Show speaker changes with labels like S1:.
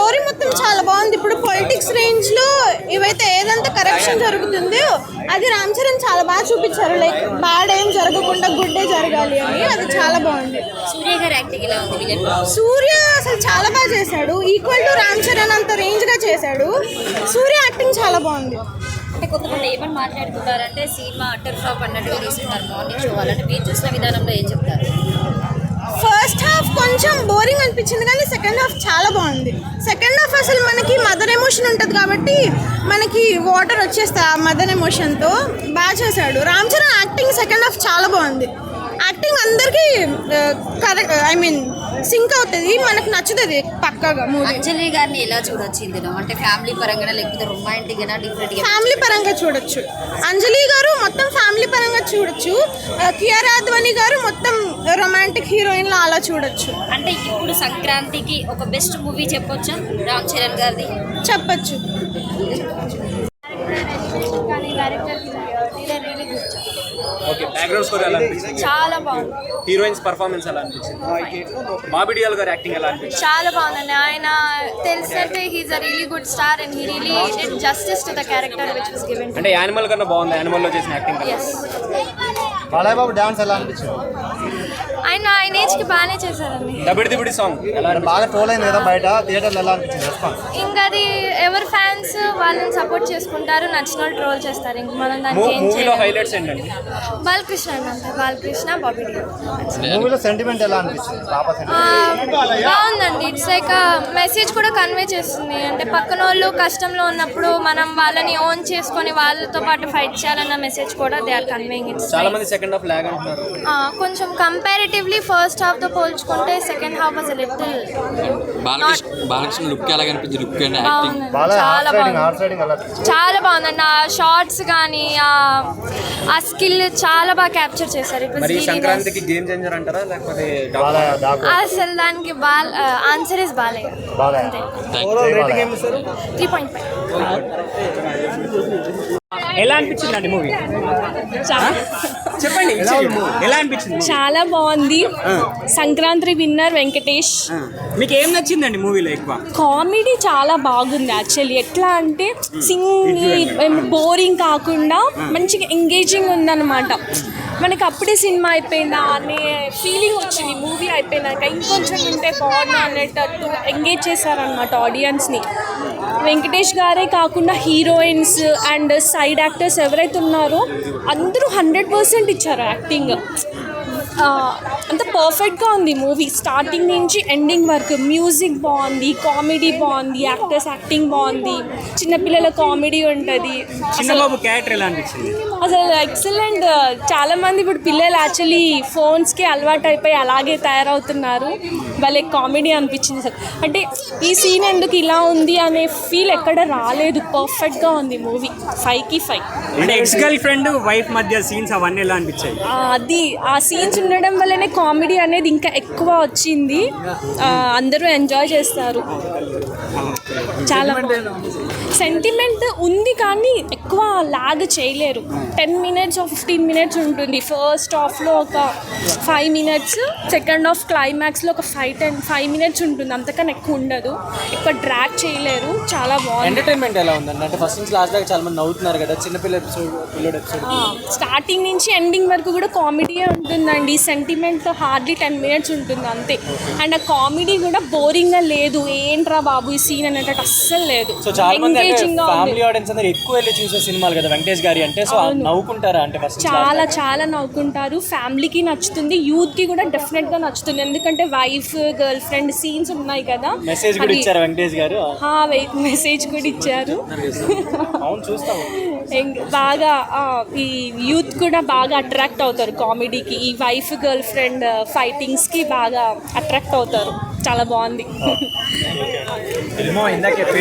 S1: Story మొత్తం చాలా బాగుంది. ఇప్పుడు పొలిటిక్స్ రేంజ్ లో ఏవైతే ఏదంతా కరప్షన్ జరుగుతుందో అది రామ్ చరణ్ చాలా బాగా చూపించారు. లైక్ బ్యాడ్ ఏం జరగకుండా గుడ్ ఏ జరగాలి అని, అది చాలా బాగుంది.
S2: సూర్య గారి యాక్టింగ్ ఎలా ఉంది?
S1: సూర్య అసలు చాలా బాగా చేశాడు. ఈక్వల్ టు రామ్ చరణ్ అంత రేంజ్ గా చేశాడు. సూర్య యాక్టింగ్ చాలా బాగుంది.
S2: అంటే కొంతమంది ఏమని మాట్లాడుతున్నారంటే సినిమా అటర్ ఫ్లాప్ అన్నట్టుగా తీసుకుంటారు మార్నింగ్ షో వాళ్ళని. మీరు చూసిన విధానంలో ఏం చెప్తారు?
S1: ఫస్ట్ హాఫ్ కొంచెం బోరింగ్ అనిపించింది కానీ సెకండ్ హాఫ్ చాలా బాగుంది. సెకండ్ హాఫ్ అసలు మనకి మదర్ ఎమోషన్ ఉంటుంది కాబట్టి మనకి వాటర్ వచ్చేస్తాయి ఆ మదర్ ఎమోషన్తో. బాగా చేశాడు Ram Charan. Acting second half చాలా బాగుంది. యాక్టింగ్ అందరికీ కరెక్ట్, ఐ మీన్ సింక్ అవుతుంది, మనకు నచ్చుతుంది పక్కాగా.
S2: అంజలి గారిని ఎలా చూడొచ్చు ఇందులో? అంటే ఫ్యామిలీ పరంగా లేకపోతే రొమాంటిక్ గా డిఫరెంట్?
S1: ఫ్యామిలీ పరంగా చూడొచ్చు. అంజలి గారు మొత్తం ఫ్యామిలీ పరంగా చూడొచ్చు. కియారా అద్వానీ గారు మొత్తం రొమాంటిక్ హీరోయిన్ లా అలా చూడొచ్చు.
S2: అంటే ఇప్పుడు సంక్రాంతికి ఒక బెస్ట్ మూవీ చెప్పొచ్చా రామ్ చరణ్ గారిది?
S1: చెప్పచ్చు.
S3: ఓకే, బ్యాక్గ్రౌండ్ స్కోర్ ఎలా అనిపించింది?
S4: చాలా బాగుంది.
S3: హీరోయిన్స్ పర్ఫార్మెన్స్ ఎలా అనిపించింది? బాబీ డియోల్ గారి యాక్టింగ్ ఎలా అనిపించింది?
S4: చాలా బాగుందండి. ఆయన తెలిసినట్టే he's uh really good star and he really did justice to the character which was given.
S3: అంటే యానిమల్ కన్నా బాగుంది, యానిమల్ లో చేసిన యాక్టింగ్ కదా.
S4: ఎస్,
S5: బాలయ్య బాబు డాన్స్ ఎలా అనిపించింది?
S4: ఆయన ఏజ్ కి బాగానే చేశారండి.
S3: దబిడి దిబిడి సాంగ్ ఎలా అనిపించింది?
S5: బాగా ట్రోల్ అయింది కదా బయట, థియేటర్లో ఎలా అనిపించింది రెస్పాన్స్?
S4: ఇంకా అది ఎవరి ఫ్యాన్స్ వాళ్ళని సపోర్ట్ చేసుకుంటారు, నచ్చిన వాళ్ళు ట్రోల్ చేస్తారు. ఇంక మనం దానికి ఏం
S3: మూవీలో
S4: చేయలేం.
S3: హైలైట్స్ ఏంటండి?
S4: బాలకృష్ణ అంటే బాలకృష్ణ, బాబీ డియోల్.
S5: మూవీలో సెంటిమెంట్ ఎలా అనిపించింది? పాప
S4: బాగుందండి. ఇట్స్ లైక్ మెసేజ్ కూడా కన్వే చేస్తుంది. అంటే పక్కన వాళ్ళు కష్టంలో ఉన్నప్పుడు మనం వాళ్ళని ఓన్ చేసుకొని వాళ్ళతో పాటు ఫైట్ చేయాలన్న మెసేజ్ కూడా దే ఆర్ కన్వేయింగ్. ఇట్స్
S3: చాలా మంది సెకండ్ హాఫ్ లాగ్ అంటున్నారు.
S4: కొంచెం కంపారిటివ్లీ ఫస్ట్ హాఫ్ తో పోల్చుకుంటే second half was little
S6: Balakrishna look ఎలా కనిపించింది? లుక్ అండ్ యాక్టింగ్
S4: బాగుంది.
S5: బాలయ్య
S4: చాలా బాగుంది.
S5: హార్ట్ రైడింగ్ ఎలా అనిపించింది?
S4: చాలా బాగుందండి. ఆ షార్ట్స్ కానీ ఆ స్కిల్ చాలా బాగా క్యాప్చర్ చేశారు. It was
S3: మరి
S4: really
S3: సంక్రాంతికి గేమ్ చేంజర్ అంటారా లేకపోతే
S5: బాలయ్య డాకు
S4: nice. అసలు దానికి ఆన్సర్ ఇస్ బాలయ్య.
S5: బాలయ్య
S4: అంతే.
S3: ఓవరాల్ రేటింగ్ ఏమి ఇస్తారు?
S4: 3.5.
S3: ఎలా అనిపించింది అండి మూవీ? చెప్పండి, ఎలా అనిపించింది?
S7: చాలా బాగుంది. సంక్రాంతి విన్నర్ వెంకటేష్.
S3: మీకు ఏం నచ్చిందండి మూవీలో ఎక్కువ?
S7: కామెడీ చాలా బాగుంది. యాక్చువల్లీ ఎట్లా అంటే బోరింగ్ కాకుండా మంచిగా ఎంగేజింగ్ ఉందన్నమాట. మనకి అప్పుడే సినిమా అయిపోయిందా అనే ఫీలింగ్ వచ్చింది. మూవీ అయిపోయినాక ఇంకొంచెం ఉంటే బాగున్నా అనేటట్టు ఎంగేజ్ చేశారనమాట ఆడియన్స్ని. వెంకటేష్ గారే కాకుండా హీరోయిన్స్ అండ్ సైడ్ యాక్టర్స్ ఎవరైతే ఉన్నారో అందరూ 100% ఇచ్చారు యాక్టింగ్. అంత పర్ఫెక్ట్గా ఉంది మూవీ స్టార్టింగ్ నుంచి ఎండింగ్ వరకు. మ్యూజిక్ బాగుంది, కామెడీ బాగుంది, యాక్టర్స్ యాక్టింగ్ బాగుంది, చిన్నపిల్లల కామెడీ ఉంటుంది.
S3: చిన్నబాబు క్యారెక్టర్ ఎలా అనిపించింది?
S7: అసలు ఎక్సలెంట్. చాలామంది ఇప్పుడు పిల్లలు యాక్చువల్లీ ఫోన్స్కి అలవాటు అయిపోయి అలాగే తయారవుతున్నారు. వాళ్ళే కామెడీ అనిపించింది సార్. అంటే ఈ సీన్ ఎందుకు ఇలా ఉంది అనే ఫీల్ ఎక్కడ రాలేదు. పర్ఫెక్ట్గా ఉంది మూవీ. 5కి 5.
S3: అంటే ఎక్స్ గర్ల్ ఫ్రెండ్ వైఫ్ మధ్య సీన్స్ అవన్నీ ఎలా అనిపించాయి?
S7: అది ఆ సీన్స్ ఉండడం వల్లనే కామెడీ అనేది ఇంకా ఎక్కువ వచ్చింది. అందరూ ఎంజాయ్ చేస్తారు. చాలా సెంటిమెంట్ ఉంది కానీ ఎక్కువ లాగ్ చేయలేరు. 10 minutes or 15 minutes ఉంటుంది. ఫస్ట్ హాఫ్లో ఒక 5 minutes, సెకండ్ హాఫ్ క్లైమాక్స్లో ఒక 5 minutes ఉంటుంది. అంతకన్నా ఎక్కువ ఉండదు. ఎక్కువ డ్రాగ్ చేయలేరు. చాలా బాగుంది.
S3: ఎంటర్టైన్మెంట్ ఎలా ఉందండి? అంటే ఫస్ట్ నుంచి లాస్ట్ దాకా చాలా మంది నవ్వుతున్నారు కదా. చిన్నపిల్ల పిల్లోడు ఎపిసోడ్
S7: స్టార్టింగ్ నుంచి ఎండింగ్ వరకు కూడా కామెడీయే ఉంటుందండి. సెంటిమెంట్ హార్డ్లీ 10 minutes ఉంటుంది అంతే. అండ్ ఆ కామెడీ కూడా బోరింగ్గా లేదు. ఏంట్రా బాబు ఈ సీన్ అనేటట్టు అస్సలు లేదు.
S3: సో చాలా మంది
S7: ఫ్యామిలీ
S3: ఆడియన్స్ అందరూ ఎక్కువ వెళ్ళి చూసే సినిమాలు కదా వెంకటేష్ గారి అంటే. సో నవ్వుకుంటారా? అంటే ఫస్ట్
S7: చాలా చాలా నవ్వుకుంటారు. ఫ్యామిలీకి నచ్చుతుంది, యూత్కి కూడా డెఫినెట్గా నచ్చుతుంది. ఎందుకంటే వైఫ్ గర్ల్ ఫ్రెండ్ సీన్స్ ఉన్నాయి కదా.
S3: మెసేజ్ కూడా ఇచ్చారు వెంకటేష్ గారు.
S7: మెసేజ్ కూడా ఇచ్చారు.
S3: అవును, చూస్తాము.
S7: బాగా ఈ యూత్ కూడా బాగా అట్రాక్ట్ అవుతారు కామెడీకి. ఈ వైఫ్ గర్ల్ ఫ్రెండ్ ఫైటింగ్స్కి బాగా అట్రాక్ట్ అవుతారు. చాలా బాగుంది.